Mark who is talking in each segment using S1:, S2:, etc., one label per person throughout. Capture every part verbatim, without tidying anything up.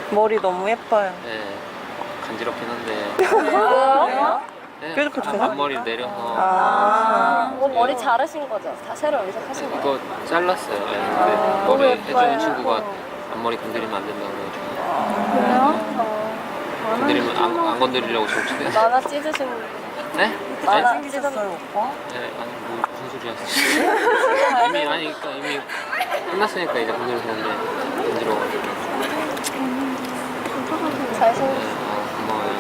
S1: 머리 너무 예뻐요.
S2: 네, 간지럽긴 한데.
S3: 왜요?
S2: 네,
S1: 그래도 그렇구나.
S2: 앞머리를 내려서
S1: 아.
S3: 뭐 머리 자르신 거죠? 다 새로 염색하신 거예요?
S2: 이거 잘랐어요. 네, 근데
S3: 아,
S2: 머리
S3: 너무
S2: 해주는
S3: 예뻐요.
S2: 친구가 앞머리 건드리면 안 된다고 해가지고
S3: 그래요?
S2: 건드리면 안, 안 건드리려고 저렇게.
S3: 나나 찢으신
S2: 네?
S3: 나나
S2: 네?
S1: 생기셨어요, 오빠?
S2: 네, 아니 뭐 무슨 소리 하시지? 이미 아니 그러니까 이미 끝났으니까 이제 건드려서 근데 건드려가지고.
S3: 잘생겼어.
S2: 네, 아, 고마워요.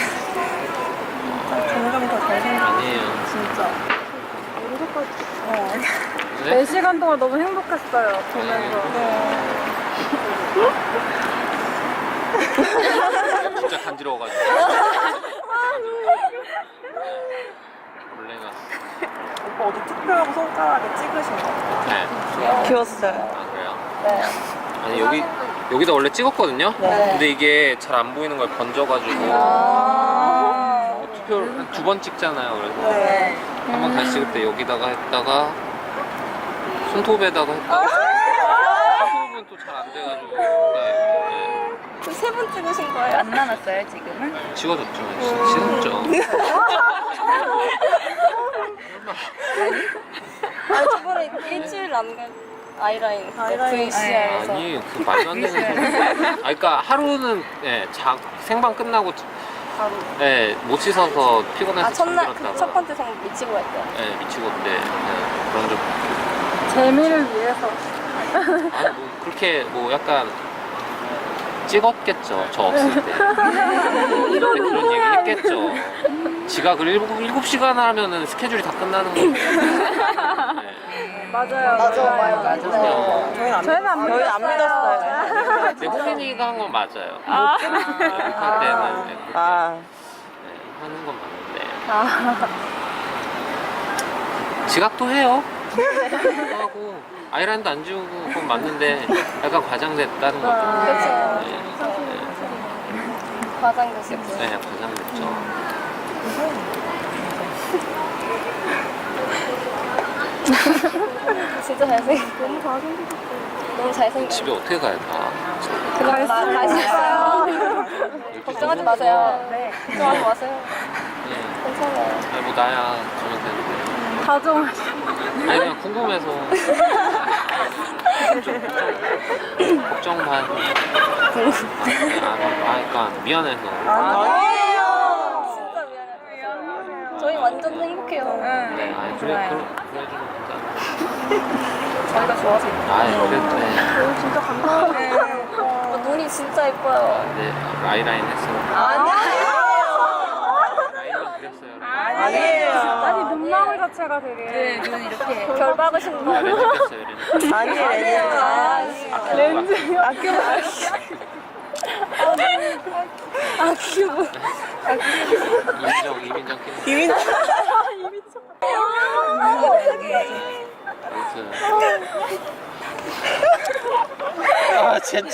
S1: 점점 더 잘생겨.
S2: 아니에요.
S3: 진짜.
S2: 네?
S4: 네 시간 동안 너무 행복했어요. 보면서.
S2: 진짜 간지러워가지고. 원래가.
S1: 오빠 어디 특별하고 손가락에 찍으신 거?
S2: 네.
S1: 귀여웠어요.
S2: 아 그래요?
S3: 네.
S2: 아니 여기 여기다 원래 찍었거든요.
S3: 네.
S2: 근데 이게 잘 안 보이는 걸 번져가지고
S3: 아.
S2: 투표 두 번 찍잖아요. 그래서
S1: 네.
S2: 한 번 다시 찍을 때 여기다가 했다가 손톱에다가 했다가 손톱은 또 잘 안 돼가지고 네,
S3: 세 분 찍으신 거예요?
S4: 안 남았어요, 지금은?
S2: 네. 지워졌죠. 지웠죠.
S3: 아니 저번에 일주일 남긴 아이라인
S1: 아이라인.
S3: 브이씨알에서
S2: 아니 그 말도 안 되는 소리. 아 그러니까 하루는 예, 자, 생방 끝나고
S3: 바로
S2: 예, 못 씻어서 피곤해서
S3: 아 첫날
S2: 잠들었다가
S3: 그 첫 번째 생 미치고 갈 때.
S2: 예, 미치고 근데 예, 그런 적
S4: 재미를 위해서.
S2: 아니 뭐 그렇게 뭐 약간 찍었겠죠 저 없을 때 그때 그런 얘기 했겠죠. 지각을 일곱, 일곱 시간 하면은 스케줄이 다 끝나는 건데 네.
S4: 맞아요.
S3: 맞아, 맞아, 맞아.
S2: 그냥
S1: 저희는 안,
S4: 저희는 안
S1: 저희는 안 믿었어요.
S2: 근데 호민이가 한 건 맞아요. 아. 할 때는 네, 그렇게
S1: 아.
S2: 네, 하는 건 맞는데
S3: 아.
S2: 지각도 해요. 지각도 하고 아이라인도 안 지우고 그건 맞는데 약간 과장됐다는 거죠.
S3: 아, 그쵸.
S2: 네,
S3: 과장됐었죠.
S2: 네, 네, 과장됐죠.
S3: 진짜 잘생겼고 너무 잘생겼어. 너무 잘생겼어.
S2: 집에 어떻게 가야 돼?
S3: 그냥 갈수 있어요. 걱정하지 마세요.
S4: 네.
S3: 걱정하지 마세요.
S2: 네.
S3: 괜찮아요.
S2: 아니 뭐 나야 가면 되는데
S4: 다정하시.
S2: 아니 그냥 궁금해서 좀, 좀 걱정 반 아, 아, 그러니까 미안해서
S1: 아니에요.
S3: 진짜 미안해요. 저희 완전 행복해요.
S2: 네, 아니 그래 그래 그래주면 괜찮아.
S3: 저희가 좋아서.
S2: 아이 그래도 네.
S3: 진짜 감사해요. 어, 눈이 진짜 예뻐요.
S2: 네 아이라인 했어요.
S3: 아니에요.
S2: 아이라인 그렸어요.
S1: 아니에요.
S4: 아니, 눈망울 자체가 되게.
S3: 눈 이렇게 결 박으신 거
S2: 렌즈 꼈어요 렌즈.
S1: 아니에요.
S3: 아니에요.
S1: 렌즈. 아껴.
S3: 아 귀여워.
S2: 이민정 이민정 꼈어요.
S1: 이민.
S2: 아무튼 아 진짜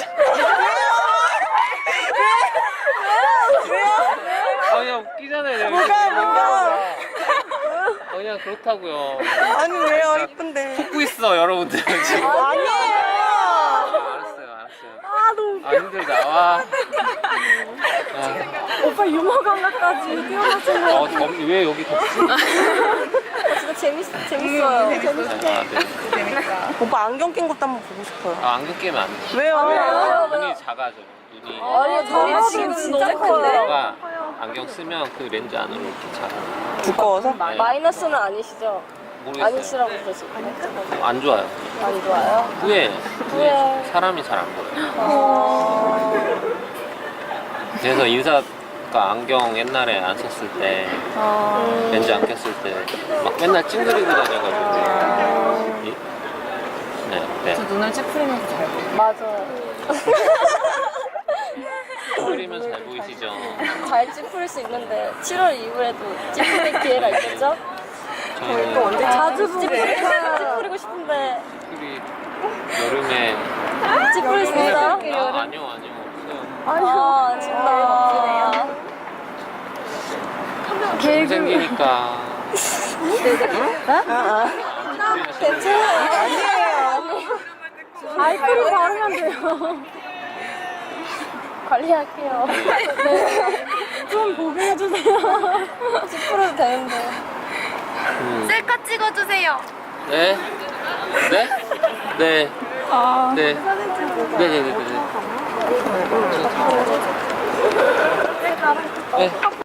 S2: 아 그냥 웃기잖아요.
S1: 뭐가 뭐가.
S2: 아, 그냥 그렇다고요.
S1: 아니 왜요? 이쁜데.
S2: 웃고 있어 여러분들 지금.
S1: 아니에요.
S2: 알았어요 알았어요. 아 너무 웃겨. 아 힘들다. 와. 아,
S4: 오빠 유머 감각까지 뛰어나시는
S2: 어, 덥, 왜 여기 덥지?
S3: 진짜 재밌 재밌어요.
S2: 아, 네.
S1: 오빠 안경 낀 것도 한번 보고 싶어요.
S2: 아, 안경 끼면 안 돼.
S1: 왜요?
S2: 눈이 작아져. 눈이.
S3: 아니 저희 지금 진짜 커요.
S2: 내가 안경 쓰면 그 렌즈 안으로 이렇게 작아.
S1: 두꺼워서?
S2: 네.
S3: 마이너스는 아니시죠?
S2: 모르겠어요.
S3: 아니시라고 그러시고
S2: 안 좋아요.
S3: 안 좋아요?
S2: 후에, 후에
S3: 후회.
S2: 사람이 잘 안 보여요.
S3: 어...
S2: 그래서 인사가 안경 옛날에 안 썼을 때,
S3: 음...
S2: 렌즈 안 꼈을 때, 막 맨날 찡그리고 다녀가지고. 이- 네, 네.
S4: 눈을 찌푸리면서 잘 보여요.
S3: 맞아요.
S2: 찡그리면 잘 보이시죠?
S3: 잘 찌푸릴 수 있는데 칠월 이후에도 찌푸릴 기회가 있겠죠?
S2: 저희는
S1: 언제
S4: 자주
S3: 찌푸리,
S4: 보게.
S3: 찌푸리고 싶은데
S2: 특별히 여름에.
S3: 찌푸릴 수 있어요?
S2: 아, 아니요, 아니요, 없어요.
S3: 아 진짜 멋지네요.
S2: 좀 생기니까.
S1: 아,
S3: 괜찮아요.
S1: 아니에요.
S3: 아니에요.
S4: 네.
S3: 네.
S4: 아이크림 바르면 돼요.
S1: 아, 아.
S2: 아,
S3: 관리할게요.
S4: 좀 보게 해주세요.
S3: 십 퍼센트 되는데.
S2: 음.
S5: 셀카 찍어주세요.
S2: 네? 네? 네.
S4: 아,
S2: 네. 네네네네. 네.